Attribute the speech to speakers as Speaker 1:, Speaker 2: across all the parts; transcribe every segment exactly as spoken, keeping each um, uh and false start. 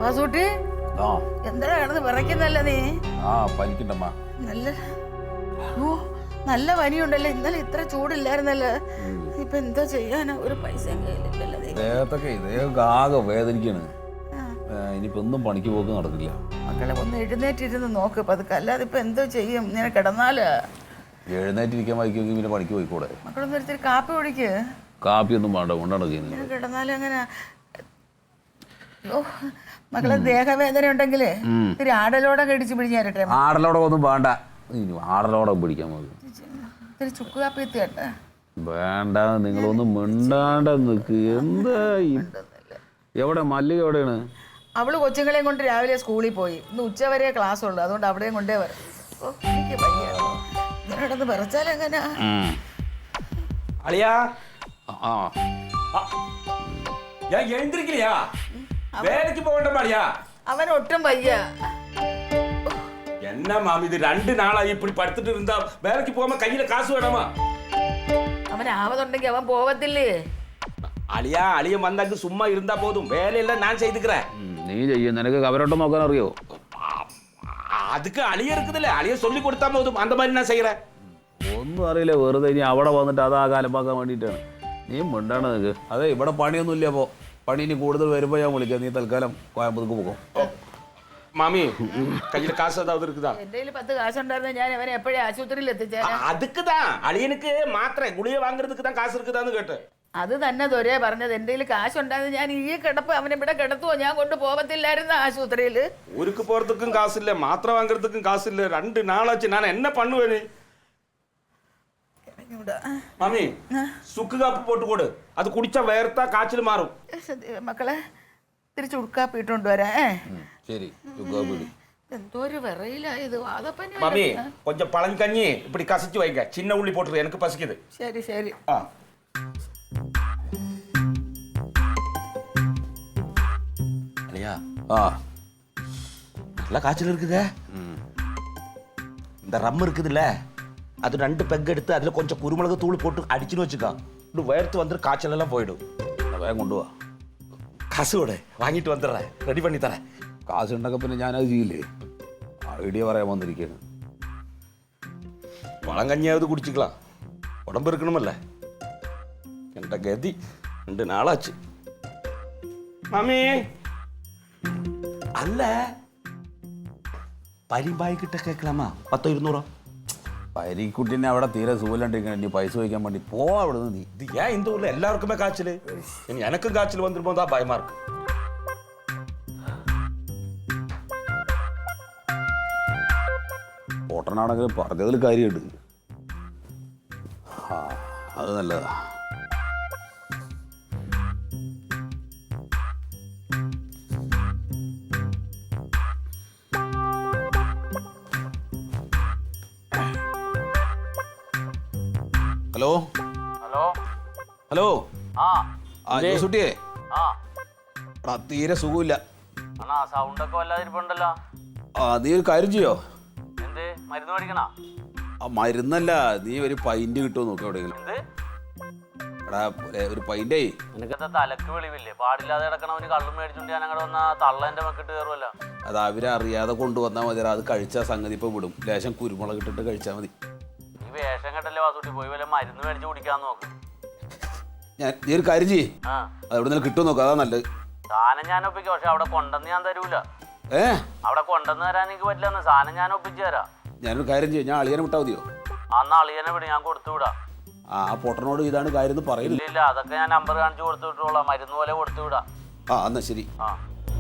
Speaker 1: വാസൂട്ടി എന്താ കിടന്ന് വിറയ്ക്കുന്നല്ല നീ?
Speaker 2: ആ പനിക്കണ്ടമ്മ.
Speaker 1: നല്ല ഓ നല്ല പനിയുണ്ടല്ലോ. ഇന്നലെ ഇത്ര ചൂടില്ലായിരുന്നല്ലോ. ഇപ്പൊ എന്താ ചെയ്യാനാ? ഒരു പൈസ
Speaker 2: ദേഹത്തൊക്കെ ദേഹമൊക്കെ ആകെ വേദനിക്കാണ്. ഇനിയിപ്പോ ഒന്നും പണിക്ക് പോക്ക് നടക്കില്ല.
Speaker 1: മക്കളെ ഒന്ന് എഴുന്നേറ്റിരുന്ന് നോക്ക് പതുക്കെ, അല്ലാതെ ഇപ്പൊ എന്തോ ചെയ്യും? ഇങ്ങനെ കിടന്നാല്
Speaker 2: എഴുന്നേറ്റിരിക്കാൻ വൈക്കുമെങ്കിൽ പിന്നെ പണിക്ക് പോയിക്കൂടെ?
Speaker 1: മക്കളൊന്നും ഒരിത്തിരി കാപ്പി കുടിക്ക്.
Speaker 2: കാപ്പി ഒന്നും വേണ്ട, കൊണ്ടാണ് ചെയ്യുന്നത്.
Speaker 1: കിടന്നാലും അങ്ങനെ ഓ മക്കളെ ദേഹവേദന ഉണ്ടെങ്കിലേ ഇത്തിരി ആടലോടെ കടിച്ച് പിടിഞ്ഞാരട്ടെ.
Speaker 2: ആടലോടെ ഒന്നും വേണ്ട, ആടലോടെ പിടിക്കാൻ മതി.
Speaker 1: ഇത്തിരി ചുക്ക് കാപ്പി എത്തിയട്ടെ.
Speaker 2: വേണ്ട, നിങ്ങളൊന്ന് മിണ്ടാണ്ട നിക്ക്. എന്താ എവിടെ മല്ലിക എവിടെയാണ്?
Speaker 1: അവള് കൊച്ചുങ്ങളെയും കൊണ്ട് രാവിലെ സ്കൂളിൽ പോയി. ഇന്ന് ഉച്ചവരെ ക്ലാസ് ഉള്ളു, അതുകൊണ്ട് അവിടെയും കൊണ്ടേ വരാം. ഓ എനിക്ക് പയ്യ ഇങ്ങനെ കിടന്ന് വിറച്ചാലെങ്ങനാ?
Speaker 3: അളിയാ ഞാൻ എഴുந்திരിക്കില്ലയാ, വേലക്ക് പോകണ്ട അളിയാ.
Speaker 1: അവൻ ഒട്ടും വയ്യ.
Speaker 3: എന്നാ മാമി ഇത് രണ്ട് നാളായി ഇപ്പി പടുത്തിട്ട് ഇരുന്നാ വേലക്ക് പോകുമ്പോ കയ്യിലെ കാശ് വേണമാ.
Speaker 1: അവൻ ആവതുണ്ടെങ്കിൽ അവൻ പോവത്തില്ലേ?
Speaker 3: അളിയാ അളിയൻ വന്നാക്ക് സുമ്മാ ഇരുന്നാ പോതും, വേലയെല്ലാം ഞാൻ ചെയ്തിക്കറേ.
Speaker 2: നീ ചെയ്യും, നിനക്ക് കവരോട്ടം നോക്കാൻ അറിയോ?
Speaker 3: அதுக்கு அழிய இருக்குதுல்ல, அழிய சொல்லி கொடுத்தா போதும், அந்த மாதிரி நான் செய்யறேன்.
Speaker 2: ഒന്നും അറിയില്ല, വെറുതെ ഇനി അവിടെ വന്നിട്ട് അത് ആ കാലമാക്കാൻ വേണ്ടിയിട്ടാണ്. നീ മിണ്ടാണ് നിനക്ക്. അതെ ഇവിടെ പണിയൊന്നും ഇല്ല. അപ്പോൾ പണി ഇനി കൂടുതൽ വരുമ്പോൾ ഞാൻ വിളിക്കാം. നീ തൽക്കാലം കോയമ്പത്തൂർക്ക് പോകും.
Speaker 3: മാമി കയ്യിൽ കാശ് ഏതാവത് இருக்குதா?
Speaker 1: എന്റെ പത്ത് കാശുണ്ടായിരുന്ന ഞാൻ അവനെ എപ്പോഴും ആശുപത്രിയിൽ എത്തിച്ചേരാ.
Speaker 3: அதுக்குதான் அழியனுக்கு மாத்திரை குளிய வாங்குறதுக்கு தான் காசு இருக்குதான்னு கேட்டேன்.
Speaker 1: അത് തന്നെ ദൊരേ പറഞ്ഞത്. എന്റെ കാശുണ്ടായിരുന്നു ഞാൻ ഈ കിടപ്പ് അവനെ ഇവിടെ കിടത്തുവോ? ഞാൻ കൊണ്ട് പോകത്തില്ലായിരുന്നു ആശുപത്രിയില്.
Speaker 3: ஊருக்கு போறதுக்கும் காசு இல்ல, மாத்திரை வாங்குறதுக்கும் காசு இல்ல. ரெண்டு நாளாச்சு, நான் என்ன பண்ணுவேன்னு. மாமி சுக்கு காப்பு போட்டு கொடு, அது குடிச்சா வேர்த்தா காய்ச்சல் மாறும்.
Speaker 1: മക്കളെ തിരിച്ചു ഉടുക്കാപ്പി ഇട്ടോണ്ട് വരാ.
Speaker 2: ശരി.
Speaker 1: എന്തോ ഒരു വിറയിലായത്.
Speaker 3: மாமி கொஞ்சம் பழங்கஞ்சி இப்படி கசிச்சு வைங்க, சின்ன உள்ளி போட்டுரு, எனக்கு பசிக்குது.
Speaker 1: ശരി ശരി.
Speaker 3: ஆ அலியா
Speaker 2: ആ
Speaker 3: நல்லா காய்ச்சல் இருக்குதே. இந்த ரம் இருக்குதுல்ல, அது ரெண்டு பெக் எடுத்து அதில் கொஞ்சம் குருமிளகு தூள் போட்டு அடிச்சுன்னு வச்சுக்கோ, இப்படி வேர்த்து வந்துடும், காய்ச்சல் எல்லாம் போயிடும்.
Speaker 2: വേഗം കൊണ്ടുപോവാ.
Speaker 3: காசு விட வாங்கிட்டு வந்துடுறேன், ரெடி பண்ணி தரேன்.
Speaker 2: കാശ് ഉണ്ടൊക്കെ പിന്നെ ഞാനത് ചെയ്യില്ലേ? ഐഡിയ പറയാൻ വന്നിരിക്കുകയാണ്.
Speaker 3: பழங்கஞ்சியாவது குடிச்சிக்கலாம், உடம்பு இருக்கணுமல்ல. என்ற கதி ரெண்டு நாளாச்சு. மாமி அல்ல പരിമ്പായി കിട്ട കേൾക്കലാമാ, പത്തോ ഇരുന്നൂറോ?
Speaker 2: പരിക്കുട്ടിനെ അവിടെ തീരെ സുഖമില്ലാണ്ടിരിക്കണം. ഇനി പൈസ വയ്ക്കാൻ വേണ്ടി പോവാ അവിടെ നിന്ന്. നീ
Speaker 3: ഇത് ഏൻ இந்த ஊர்ல எல்லாருக்குமே காய்ச்சல், இனி எனக்கும் காய்ச்சல் வந்துருமோ தான் பயமா இருக்கு.
Speaker 2: പൊട്ടനാണെങ്കിലും പറഞ്ഞതിൽ കാര്യമുണ്ട്. ആ അത് നല്ലതാ. ഹലോ
Speaker 4: ഹലോ
Speaker 2: ഹലോ
Speaker 4: ആ
Speaker 2: ആ ജോസുട്ടിയെ,
Speaker 4: ആ
Speaker 2: എടാ തീരെ സുഖമില്ല.
Speaker 4: അണ്ണാ സൗണ്ടൊക്കെ വല്ലാതിരിപ്പുണ്ടല്ലോ.
Speaker 2: ആ നീ ഒരു കാര്യം ചെയ്യോ?
Speaker 4: എന്ത് മരുന്ന് മേടിക്കണ?
Speaker 2: ആ മരുന്നല്ല, നീ ഒരു പൈൻറ്റ് കിട്ടുമോ നോക്കി എവിടെയെങ്കിലും.
Speaker 4: എന്ത്
Speaker 2: എടാ ഒരു പൈൻറ്റേ.
Speaker 4: നിനക്കെന്താ തലക്ക് വെളിവില്ലേ? പാടില്ലാതെ കിടക്കണവന് കള്ളും മേടിച്ചോണ്ട് ഞാൻ അങ്ങോട്ട് വന്നാ തള്ള എന്റെ മക്കിട്ട് കയറുമല്ലോ.
Speaker 2: അത് അവരെ അറിയാതെ കൊണ്ടുവന്നാൽ മതി. അത് കഴിച്ചാൽ സംഗതി ഇപ്പം വിടും. ലേശം കുരുമുളക് ഇട്ടിട്ട് കഴിച്ചാൽ മതി.
Speaker 4: നീ വേഷം കെട്ടല്ലേ വാസൂട്ടി, പോയി വല്ല മരുന്ന് മേടിച്ച് കുടിക്കാന്ന് നോക്ക്.
Speaker 2: ഞാൻ നീ ഒരു കാര്യം ചെയ്യ്,
Speaker 4: ആ
Speaker 2: അത് എവിടെ നിന്ന് കിട്ടുമോ നോക്കാം, അതാ നല്ലത്.
Speaker 4: സാധനം ഞാൻ ഒപ്പിക്കാം, പക്ഷെ അവിടെ കൊണ്ടെന്ന് ഞാൻ തരൂല.
Speaker 2: ഏ
Speaker 4: അവിടെ കൊണ്ടെന്ന് തരാൻ എനിക്ക് പറ്റില്ലെന്ന്. സാധനം ഞാൻ ഒപ്പിച്ചു തരാം.
Speaker 2: ഞാനൊരു കാര്യം ചെയ്യും, ഞാൻ അളിയനെ വിട്ടാൽ മതിയോ?
Speaker 4: അന്ന് അളിയനെ വിട്, ഞാൻ കൊടുത്തു വിടാം.
Speaker 2: ആ പൊട്ടനോട് ഇതാണ് കാര്യം എന്ന് പറയുന്നില്ല.
Speaker 4: ഇല്ല അതൊക്കെ ഞാൻ നമ്പർ കാണിച്ച് കൊടുത്തു വിട്ടോളാം, മരുന്ന് പോലെ കൊടുത്തു വിടാം.
Speaker 2: ആ എന്നാ ശരി.
Speaker 4: ആ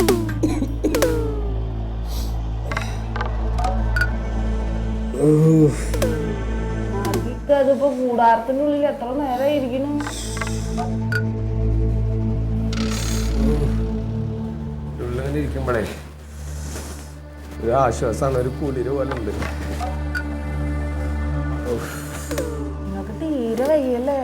Speaker 5: അതിപ്പോ കൂടാരത്തിനുള്ളിൽ എത്ര നേരം ഇരിക്കുന്നു?
Speaker 6: ഇരിക്കുമ്പോഴേ ഒരു ആശ്വാസമാണ്, ഒരു കുളിര് പോലെ ഉണ്ട്.
Speaker 5: നിങ്ങക്ക് തീരെ വയ്യല്ലേ?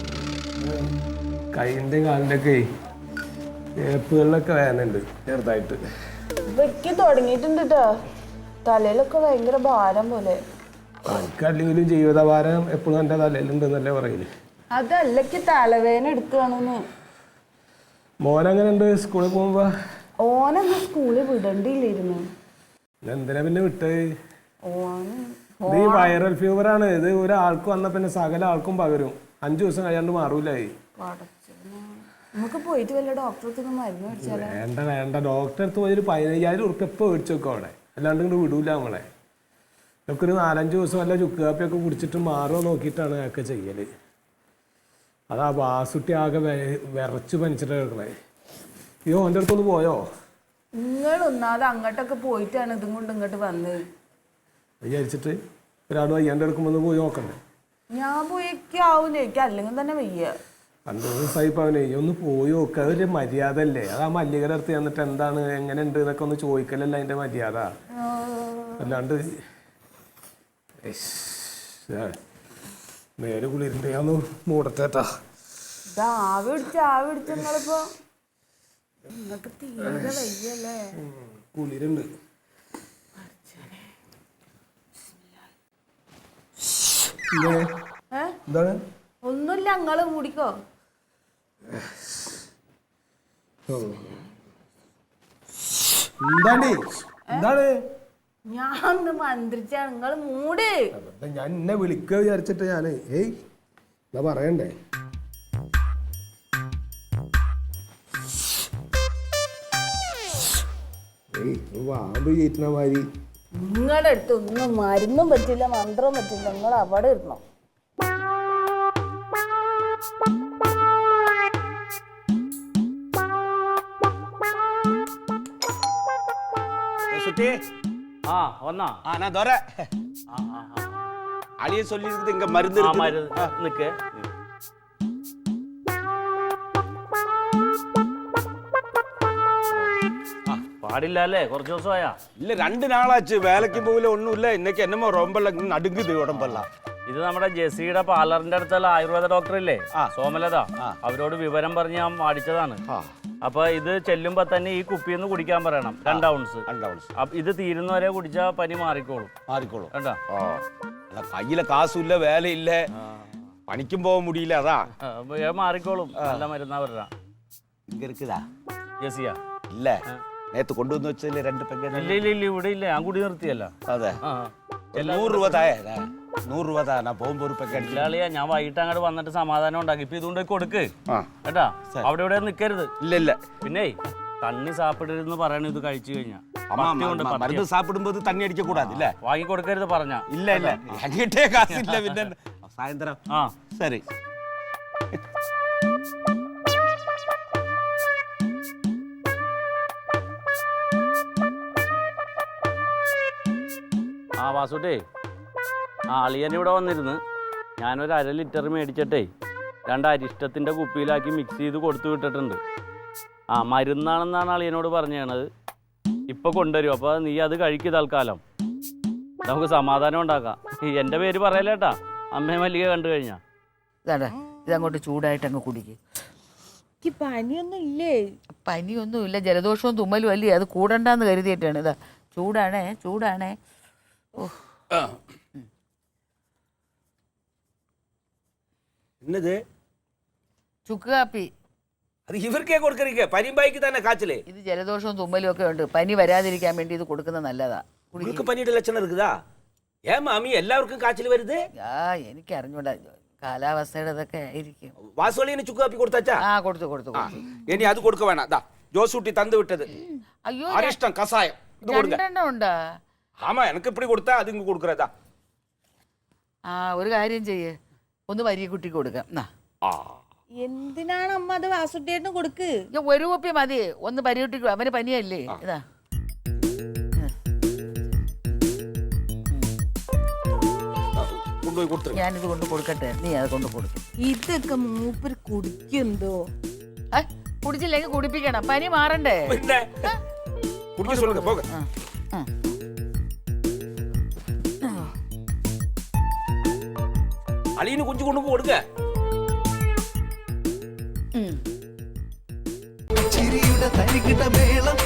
Speaker 6: കൈൻ്റെ കാലിൻ്റെ ഒക്കെ ഏപ്പുകളിലൊക്കെ വേദനയുണ്ട് ചെറുതായിട്ട്.
Speaker 5: വെക്ക് തുടങ്ങിയിട്ടുണ്ട് കേട്ടോ. തലയിലൊക്കെ ഭയങ്കര ഭാരം പോലെ.
Speaker 6: എനിക്കല്ലെങ്കിലും ജീവിതഭാരം എപ്പോഴും എൻ്റെ തലയിലുണ്ടെന്നല്ലേ പറയില്ലേ.
Speaker 5: അതല്ലക്ക് തലവേദന എടുക്കുകയാണെന്ന്.
Speaker 6: മോനങ്ങനെ ഉണ്ട് സ്കൂളിൽ പോകുമ്പോ?
Speaker 5: ഓനന്ന് സ്കൂളിൽ വിടണ്ടില്ലായിരുന്നു.
Speaker 6: എന്തിനാ പിന്നെ വിട്ടത്?
Speaker 5: ഓന്
Speaker 6: ഇത് ഈ വൈറൽ ഫീവർ ആണ്. ഇത് ഒരാൾക്ക് വന്ന പിന്നെ സകല ആൾക്കും പകരും. അഞ്ചു ദിവസം കഴിയാണ്ട് മാറൂലായി.
Speaker 5: നമുക്ക് പോയിട്ട് വല്ല ഡോക്ടർക്ക് മരുന്ന് മേടിച്ചാലോ?
Speaker 6: വേണ്ട വേണ്ട, ഡോക്ടറെ അടുത്ത് പോയി ഒരു പതിനയ്യായിരം ഉറുപ്പ് എപ്പോൾ മേടിച്ചു വെക്കും അവിടെ. അല്ലാണ്ട് ഇങ്ങോട്ട് വിടൂല നമ്മളെ. ഇതൊക്കെ ഒരു നാലഞ്ച് ദിവസം വല്ല ചുക്ക് കാപ്പിയൊക്കെ കുടിച്ചിട്ട് മാറുമോ നോക്കിയിട്ടാണ് അതൊക്കെ ചെയ്യല്. അതാ വാസുട്ടി ആകെ വിറച്ച് പനിച്ചിട്ട് കിടക്കണേ. അയ്യോ ഓൻ്റെ അടുത്തൊന്ന് പോയോ?
Speaker 5: നിങ്ങൾ ഒന്നാതെ അങ്ങോട്ടൊക്കെ പോയിട്ടാണ് ഇതും കൊണ്ട് ഇങ്ങോട്ട് വന്നത്.
Speaker 6: വിചാരിച്ചിട്ട് ഒരാൾ വയ്യാണ്ട് എടുക്കുമ്പോൾ ഒന്ന് പോയി നോക്കണ്ടേ?
Speaker 5: ഞാൻ പോയൊക്കെ ആവൂല, എനിക്ക് അല്ലെങ്കിൽ തന്നെ വയ്യ.
Speaker 6: രണ്ടു ദിവസമായി ഇപ്പം അവനെ ഒന്ന് പോയി നോക്കുക. അതൊരു മര്യാദ അല്ലേ? അത് ആ മല്ലികയുടെ അടുത്ത് ചെന്നിട്ട് എന്താണ് എങ്ങനെ ഉണ്ട് എന്നൊക്കെ ഒന്ന് ചോദിക്കലല്ല അതിൻ്റെ മര്യാദ. അല്ലാണ്ട് നേരെ കുളിരുണ്ട്. ഞാൻ ഒന്ന് മൂടത്തേട്ടാ.
Speaker 5: ഇത് ആവി പിടിച്ച് ആവി പിടിച്ച് നിങ്ങളിപ്പോ നിങ്ങൾക്ക് തീരെ വയ്യല്ലേ?
Speaker 6: കുളിരുണ്ട്. എന്താണ്?
Speaker 5: ഒന്നുമില്ല, നിങ്ങള് മൂടിക്കോ.
Speaker 6: എന്താണ് എന്താണ്?
Speaker 5: ഞാൻ മന്ത്രിച്ചാണ്, നിങ്ങള് മൂട്.
Speaker 6: ഞാൻ എന്നെ വിളിക്കുക വിചാരിച്ചിട്ട് ഞാന് ഏയ് എന്താ പറയണ്ടേ? ഏയ് വാമ്പ് ചീറ്റണ മാതിരി.
Speaker 5: നിങ്ങളുടെ അടുത്ത് ഒന്നും മരുന്നും പറ്റില്ല, മന്ത്രവും പറ്റില്ല. നിങ്ങൾ അവിടെ ഇരുന്നോ.
Speaker 4: ആ വന്നാ
Speaker 3: ആ ഞാൻ ദോര അളിയെ சொல்லிருக்குது இங்க மருந்து இருக்கு.
Speaker 4: മരുന്ന് നിക്ക്. പാടില്ല അല്ലേ? കുറച്ച് ദിവസമായാ?
Speaker 3: இல்ல ரெண்டு நாளாச்சு. வேலைக்கு போகல ஒண்ணும் இல்ல. இன்னைக்கு என்னமோ ரொம்ப நடுங்குது உடம்பெல்லாம்.
Speaker 4: ഇത് നമ്മുടെ ജെസിയുടെ പാർലറിന്റെ അടുത്തുള്ള ആയുർവേദ ഡോക്ടർ ഇല്ലേ, സോമലത, അവരോട് വിവരം പറഞ്ഞ് ഞാൻ മേടിച്ചതാണ്. അപ്പൊ ഇത് ചെല്ലുമ്പോ തന്നെ ഈ കുപ്പിന്ന് കുടിക്കാൻ പറയണം. രണ്ട് ഔൺസ് ഇത് തീരുന്നവരെ കുടിച്ചാ പനി മാറിക്കോളും.
Speaker 3: മാറിക്കോളും
Speaker 4: കേട്ടാ?
Speaker 3: കയ്യിലെ കാസും ഇല്ല, വേലയില്ല, പണിക്കും പോകാൻ മുടിയില്ല. അതാ
Speaker 4: മാറിക്കോളും. നല്ല മരുന്നാ പറഞ്ഞ.
Speaker 3: ഇങ്ങ இருக்குதா
Speaker 4: ജെസിയാ?
Speaker 3: ഇല്ല, നേരത്തെ കൊണ്ടുവന്ന് വെച്ചല്ലേ രണ്ട് പെഗ്ഗ.
Speaker 4: ഇല്ല ഇല്ല ഇല്ല, ഇവിടെ ഇല്ല. ഞാൻ കൂടി നിർത്തിയല്ല.
Speaker 3: അതെ, നൂറ് രൂപ തായ നൂറ് രൂപ താ. ഞാൻ പോകുമ്പോ ഒരു പെഗ്ഗ
Speaker 4: ഇല്ലാളിയാ, ഞാൻ വൈകിട്ട് അങ്ങോട്ട് വന്നിട്ട് സമാധാനം ഉണ്ടാക്കി. ഇപ്പൊ ഇതുകൊണ്ട് കൊടുക്ക് കേട്ടാ. അവിടെ ഇവിടെ നിക്കരുത്.
Speaker 3: ഇല്ല ഇല്ല.
Speaker 4: പിന്നെ തണ്ണി സാപ്പിടരുതെന്ന് പറയണ ഇത് കഴിച്ചു കഴിഞ്ഞാ.
Speaker 3: മരുന്ന് സാപ്പിടുമ്പോ തണ്ണി അടിക്ക കൂടാതെ ഇല്ല.
Speaker 4: വാങ്ങി കൊടുക്കരുത് പറഞ്ഞ.
Speaker 3: ഇല്ല ഇല്ല, അങ്ങോട്ടേ കാശില്ല. പിന്നെ സായന്തരം. ആ ശരി.
Speaker 4: ആ വാസുട്ടേ, ആ അളിയൻ ഇവിടെ വന്നിരുന്ന് ഞാനൊരു അര ലിറ്റർ മേടിച്ചിട്ടേ രണ്ട് അരിഷ്ടത്തിൻ്റെ കുപ്പിയിലാക്കി മിക്സ് ചെയ്ത് കൊടുത്തു വിട്ടിട്ടുണ്ട്. ആ മരുന്നാണെന്നാണ് അളിയനോട് പറഞ്ഞത്. ഇപ്പം കൊണ്ടുവരും. അപ്പോൾ നീ അത് കഴിക്കുക തൽക്കാലം. നമുക്ക് സമാധാനം ഉണ്ടാക്കാം. എൻ്റെ പേര് പറയലേട്ടാ, അമ്മയെ മല്ലിക കണ്ടു കഴിഞ്ഞാൽ.
Speaker 1: ഇതാണ്ടാ, ഇതങ്ങോട്ട് ചൂടായിട്ട് അങ്ങ് കുടിക്കുക.
Speaker 5: പനിയൊന്നും ഇല്ലേ?
Speaker 1: പനിയൊന്നും ഇല്ല, ജലദോഷവും തുമ്മലും അല്ലേ. അത് കൂടണ്ടെന്ന് കരുതിയിട്ടാണ്. ഇതാ ചൂടാണേ, ചൂടാണേ.
Speaker 3: என்னது
Speaker 1: ചുക്ക് കാപ്പി.
Speaker 3: അത് ഇവർക്കേ കൊടുക്കറിക്ക? പനിമ്പായിക്ക് തന്നെ കാച്ചില്.
Speaker 1: ഇത് ജലദോഷവും തുമ്മലും ഒക്കെ ഉണ്ട്. പനി വരാതിരിക്കാൻ വേണ്ടി ഇത് കൊടുക്കുന്നത് നല്ലതാ.
Speaker 3: உங்களுக்கு പനിയുടെ ലക്ഷണം இருக்குதா? ഏ മാമി, എല്ലാവർക്കും കാച്ചിൽ വരുത്?
Speaker 1: ആ എനിക്ക് അറിഞ്ഞൂടാ, കാലാവസ്ഥയുടെ ഇതൊക്കെ ആയിരിക്കും.
Speaker 3: വാസുവളിന് ചുക്ക് കാപ്പി കൊടുത്താച്ചാ?
Speaker 1: ആ കൊടുത്തു കൊടുത്തു.
Speaker 3: ഇനി അത് കൊടുക്ക വേണം. ദാ ജോസൂട്ടി തന്നു വിട്ടത്
Speaker 1: അയ്യോ,
Speaker 3: അരിഷ്ടം കസായം ഇത് കൊടുക്ക.
Speaker 1: രണ്ടെണ്ണം ഉണ്ടാ?
Speaker 3: ആമാ, എനിക്ക് ഇപ്പടി കൊടുത്താ അത് ഇങ്ങ് കൊടുക്കറതാ.
Speaker 1: ആ ഒരു കാര്യം ചെയ്യേ, ഒന്ന് വലിയ കുട്ടിക്ക് കൊടുക്കാം.
Speaker 5: എന്തിനാണ് അമ്മ അത് വാസുട്ടിയേട്ടന് കൊടുക്ക്?
Speaker 1: ഒരു കുപ്പി മതി. ഒന്ന് പരികുട്ടിക്ക്, അവന് പനിയല്ലേ. ഇതാ ഞാനിത് കൊണ്ട് കൊടുക്കട്ടെ, നീ അത് കൊണ്ട് കൊടുക്കും.
Speaker 5: ഇതൊക്കെ മൂപ്പര് കുടിക്കുന്തോ?
Speaker 1: കുടിച്ചില്ലെങ്കിൽ കുടിപ്പിക്കണം, പനി മാറണ്ടേ.
Speaker 3: അളിയന് കുഞ്ചു കൊണ്ടു കൊടുക്ക.
Speaker 7: ചിരിയുടെ തരികിട മേളം